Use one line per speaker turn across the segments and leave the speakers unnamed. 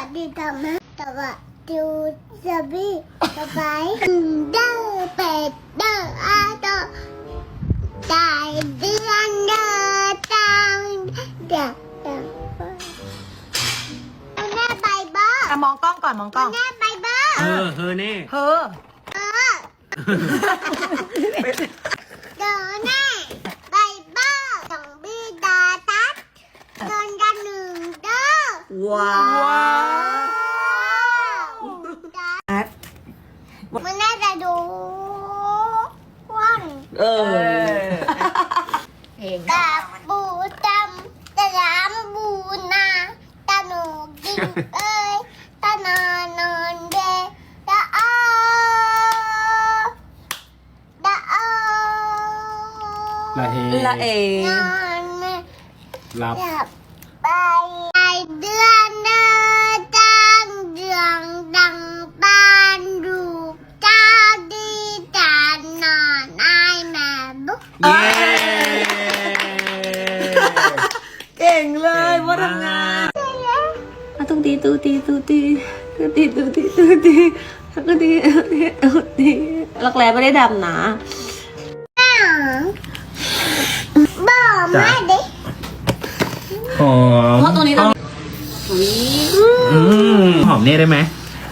ดีทำนะแต่ว่าดูสบีสบายเด้อเป็ดเด้ออาโตตายเดือนเด้อตังเด้อแม่ไปบ้าม
องกล้องก่อนมองกล้อง
แม่ไปบ้า
เฮอเน่
เฮอ
เดินแน่ไปบ้าต้องบีดาตัดโดนกันหนึ่งเด้อ
ว้าว
มันน่าจะดูว่างตาบูจำตะลามบูนาตาหนูกินเอ้ยตานอนอนเดตาอ้อตาอ้อ
ละเฮ
ละเอน
อนไม่
หลับ
หลับไปเดือนเดินจังเดืองดังบ้านลูกเจ้าดีจานนอนไอแม่บุ๊ก
เย้
เก่งเลยว่าทำงานตุ้งตีตุ้งตีตุ้งตีตุ้งตีตุ้งตีตุ้งตีตุ้งตีตุ้งตีรักแร้ไม่ได้ดำนะ
บอกมาดิ
หอม
เพราะตัวนี้เรา
หอมเนี่ยได้ไหม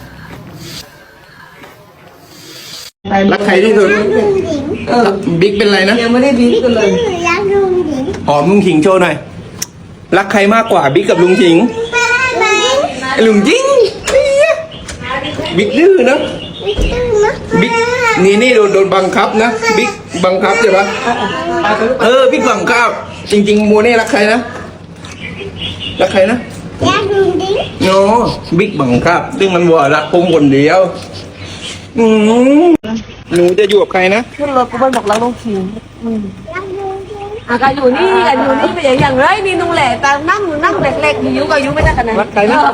รักใครที่สุดบิ๊กเป็นไรนะ
ยังไม่ได้บีบกันเลย
รักลุงหญิง
หอมลุงขิงโชว์หน่อยรักใครมากกว่าบิ๊กกับลุงขิง
ไหม
ไอ้ลุงยิงบิ๊กดื้อนะ
ไม่ต้องนะ
บิ๊กนี่โดนบังคับนะบิ๊กบังคับใช่ปะบิ๊กบังคับจริงๆโมเน่รักใครนะรักใครนะ
รักลุงหญิง
โน้บิ๊กบังคับซึ่งมันวัวรักผมคนเดียวหนูจะอยู่กับใครนะ
ขึ้นรถกูบอกรักน้องคิง
รักลุงหญิง
กันอยู่นี่กันอยู่นี่เป็นอย่างไรนี่นุ่งแหล่แต่นั่งเล็กๆอยู่ก็อยู่ไม่ได้ขนาด
รักใครนะ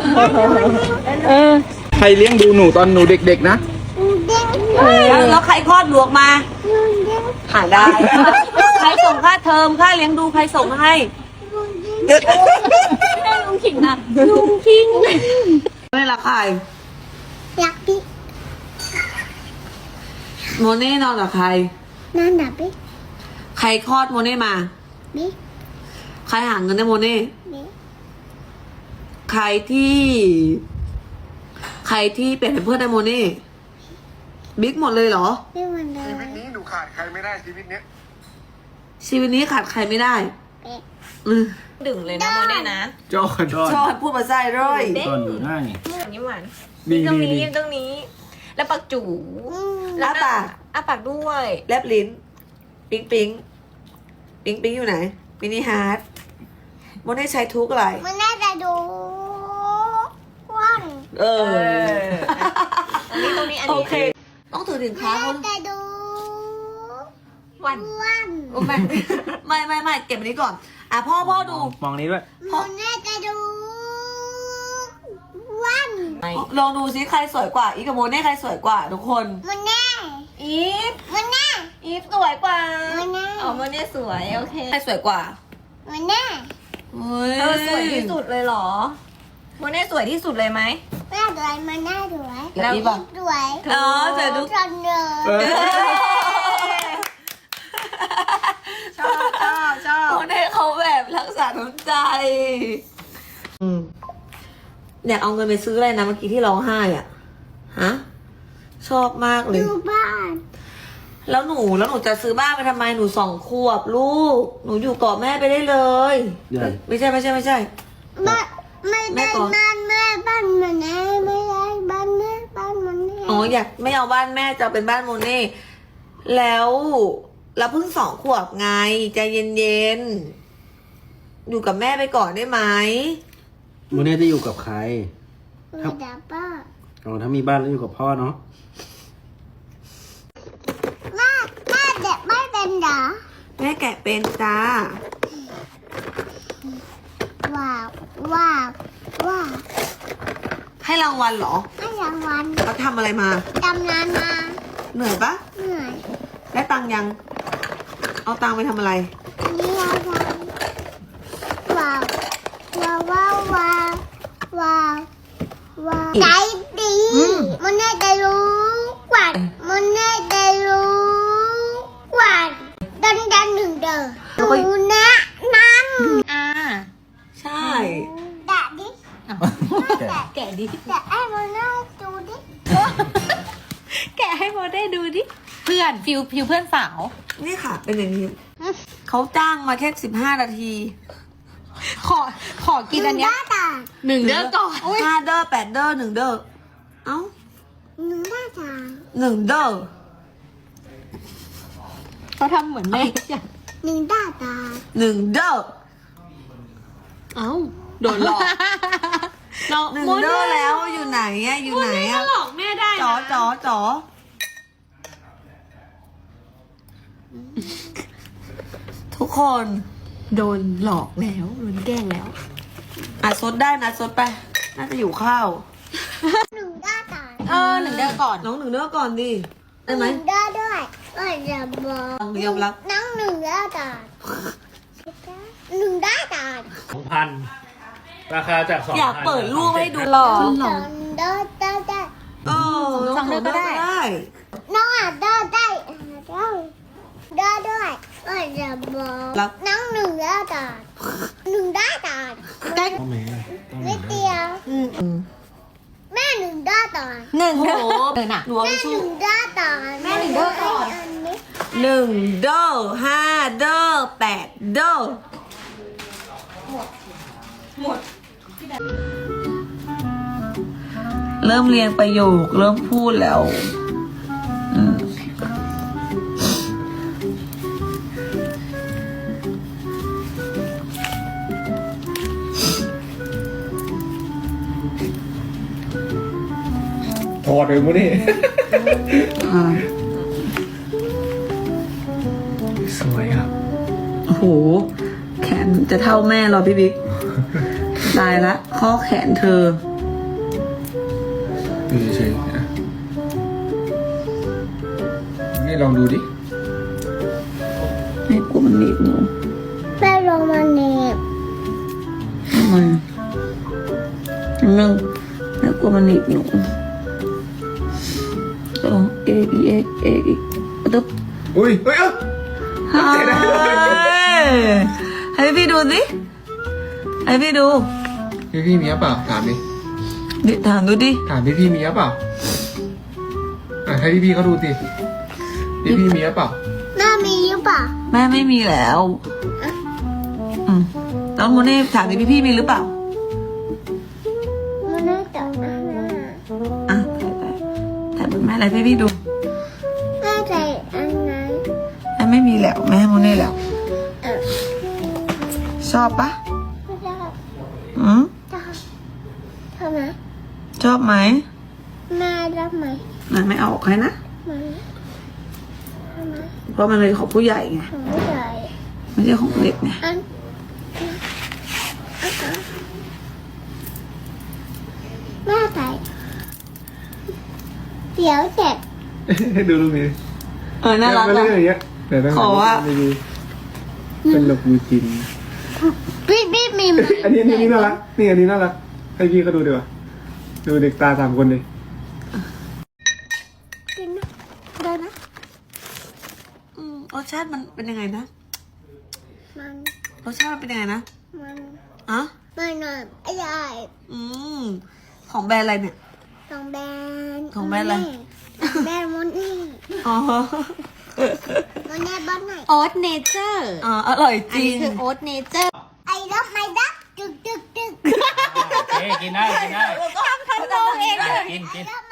ใครเลี้ยงดูหนูตอนหนูเด็กๆนะ
ลุงหญิง
แล้วใครคลอดลูกมา
ลุงหญิง
หาได้ใครส่งค่าเทอมค่าเลี้ยงดูใครส่งให้
ลุงหญิง
ไม่ได้ลุงขิงนะลุงขิงไม่ละใคร
รักพี่
โมเน่นอนกับใคร
นั่นดับพี่
ใครคลอดโมเน่มา
พี่
ใครหาเงินให้โมเน่
พี่
ใครที่เป็นเพื่อนให้โมเน่บิ๊กหมดเลยเหรอ
พี่วันเดิ
ชีวิ
น
ตนี้หนูขาดใครไม่ได้ชีวิตเนี้ย
ชีวิตนี้ขาดใครไม่ได้
พี่
ดึงเลยนะโมเน่นะ
จอด
ชอบพูดภาษาร้อย
ตอนอยู่ได้
ยิ้มหวาน
ดี
ตรง
ดี
นี้
ดี
ยิ้มตรงนี้ แล้วปากจู
แล้วปาก
ปากด้วย
แลบลิ้นปิ๊งปิ๊งปิ๊งปิ๊งอยู่ไหนมินิฮาร์ดโมเน่ใช้ทุกอะไร
มันน่าจะดูว่าง
ตรงนี้อัน
โอ
นี้
เค ต้องถือถึง
มัน
ค้า
น่า
เขา
จะดู
วัน
ว่าง
ไม่เก็บอันนี้ก่อนอ่ะพ่อดู
มองนี้ด้วย
มันน่าจะดูว่าง
ลองดูซิใครสวยกว่าอีกกับโมเน่ใครสวยกว่าทุกคน
มันแน่
อีฟ
มันแน่
อีฟสวยกว่า
มันแน่
อ๋อโมเน่สวยโอเค
ใครสวยกว่า
มันแน่
เฮ้ย
สวยที่สุดเลยเหรอโมเน่สวยที่สุดเลยไหม
แม่สวยมันน่าสวย
แล้วอีป่ะ
สวย
อ๋อสวยทุก
จนเลย
ชอบโมเน่เขาแบบรักษาน้ำใจอยากเอาเงินไปซื้ออะไรนะเมื่อกี้ที่ร้องไห้อ่ะฮะชอบมากเลย
ดูบ้าน
แล้วหนูจะซื้อบ้านไปทำไมหนู2 ขวบลูกหนูอยู่เกาะแม่ไปได้เลย
ใหญ่
ไม่ใช่
บ้านไม่
แม่
ได้
ก่อน
บ้านแม่บ้านมันแน่ไม่ได้บ้านแม่บ้านมันแน่
อ๋ออยากไม่เอาบ้านแม่จะเอาเป็นบ้านโมเน่แล้วเราเพิ่ง2 ขวบไงใจเย็นๆอยู่กับแม่ไปก่อนได้ไหม
โมเน่จะอยู่กับใคร
ไม่ได้ป้า
อ๋อถ้ามีบ้านแล้วอยู่กับพ่อเนาะ
แม่เด็กไม่เป็นเหรอ
แม่แกะเป็นจ้า
ว้าวว้าวว้าว
ให้รางวัลเหรอ
ให้รางวัล
เขาทำอะไรมา
ดำนานมา
เหนื่อยปะ
เหนื่อย
ได้ตังค์ยัง เอาตังค์ไปทำอะไร
นี่อะไรว้าวว้าวว้าวว้าวว้าวว่าใจดีมันน่าจะรู้กว่ามันน่าจะรู้กว่าดันหนึ่งเด้อดูนะนั่น
ใช่
แดดดิ
แกะดิ
แต่ไอ้มันน่าดูดิ
แกะให้โมได้ดูดิ
เพื่อนฟิวเพื่อนสาว
นี่ค่ะ เป็นอย่างนี้ เขาจ้างมาแค่15 นาที
ขอกินอันเนี้ย
ตา
หนึ่งเด้อก่อน
5 เด้อ 8 เด้อ 1 เด้อ เอ้า
หนึ่งด้าตา
1 เด้อ
เขาทำเหมือนแม่
หนึ่งด้าตา
1 เด้อ
เอ้าโดนหลอกเรา
1 เด้อแล้วอยู่ไหนอะอยู่ไหนอะ
หลอกแม่ได้นะ
จ๋อทุกคน
โดนหลอกแล้วโดนแกล้งแล้ว
ซดได้นะซดไป น่าจะอยู่ข้าว
หนึ่งด้าตา
หนึ่งเด้อก่อน
น้อง1 เด้อก่อนดิ ได้ไหม
หนึ่งด้าด้วยก็จะบอก
ยอมรับ
นั่งหนึ่งด้าตาหนึ่งด้าตา
2,000 ราคาจาก2,000
อยากเปิดรูปให้ดูหรอ
สองด้าได้
2 เด้อก็ได้
น้องอ่ะด้าได้ด้าด้วยก็จะบอกนั่งหนึ่งด้าตาหนึ่งด้าตานิดเดียวแม่หนึ่งด้าตา
หนึ่ง
โอ้
เด้อ
โห หนูเอา
แม่
ไป
ห
ชู
นึ่งด้าตา
แม่หนึ่งด้าก่อน
อันนี้
1 เด้อ 5 เด้อ 8 เด้อ เริ่มเรียงประโยค เริ่มพูดแล้ว
ถอดเลยมั้งนี่ สวยครับ
โอ้โห แขนจะเท่าแม่เหรอพี่บิ๊ก ตายละข้อแขนเธอ
ดูเฉยๆนะนี่ลองดูดิ
ไม่กลัวมันหนีบหนู
แม่ลงมาเน็บ
ทำไมนึงไม่กลัวมันหนีบหนูเอตึ๊บ
อุ้ยเฮ้ย
เฮ้ยให้พี่ดูสิให้พี่ดู
พี่มีหรือเปล่าถามดิ
ดิถามดูดิ
ถามพี่มีหรือเปล่าให้พี่เขาดูสิพี่มีหรือเปล่า
แม่มีหรือเปล่า
แม่ไม่มีแล้วน้องโมเน่ถามดิพี่มีหรือเปล่า
มันน่าจะอันน่ะ
อ่ะถ่ายบนแม่อะไรให้พี่ดู
แม่ใจอันนั้น
แม่ไม่มีแล้วแม่ให้โมเน่แล้ว
เออ
ชอบปะ
ไม่ได้
จะ
ทำไม
ชอบไหม
แม่รับไหม
มันไม่เอาออกให้นะ
มันทำไม
เพราะมันเป็นของผู้ใหญ่ไง
ผมไม่ได้
ไม่ใช่ของเด็กไง
อันแม่ใส่เดี๋ยวเสร็จ
ดูรูปนี้
น่ารัก
มา
อ่ะ
เรื่อยๆอย่างเงี้ยแต่ต้อง
ขอว่า
ดีเป็นลบูจิน
พี่มีไหม
อันนี้น่ารักนี่อันนี้น่ารักให้พี่เขาดูดีกว่าดูเด็กตา3 คนเลย
กินนะได้นะ
รสชาติมันเป็นยังไงนะ
มัน
รสชาติมันเป็นยังไงนะ
มัน
อ่ะ
มันหน่อยอร่อย
ของแบรนด์อะไรเนี่ย
ของแบรนด์
ของแบรนด์อะไร
แบรนด์มอนนี่
อ๋อ
มอนนี่บ้านไหน
โอ๊ตเนเจอร์
อร่อยจ
อัน
ริ
นี้
ง
คือโอ๊ตเนเจอร์
ไอ้รับไม่รับตึก
โอเคกินได้
ทำโตเองเลย
กิน
รับ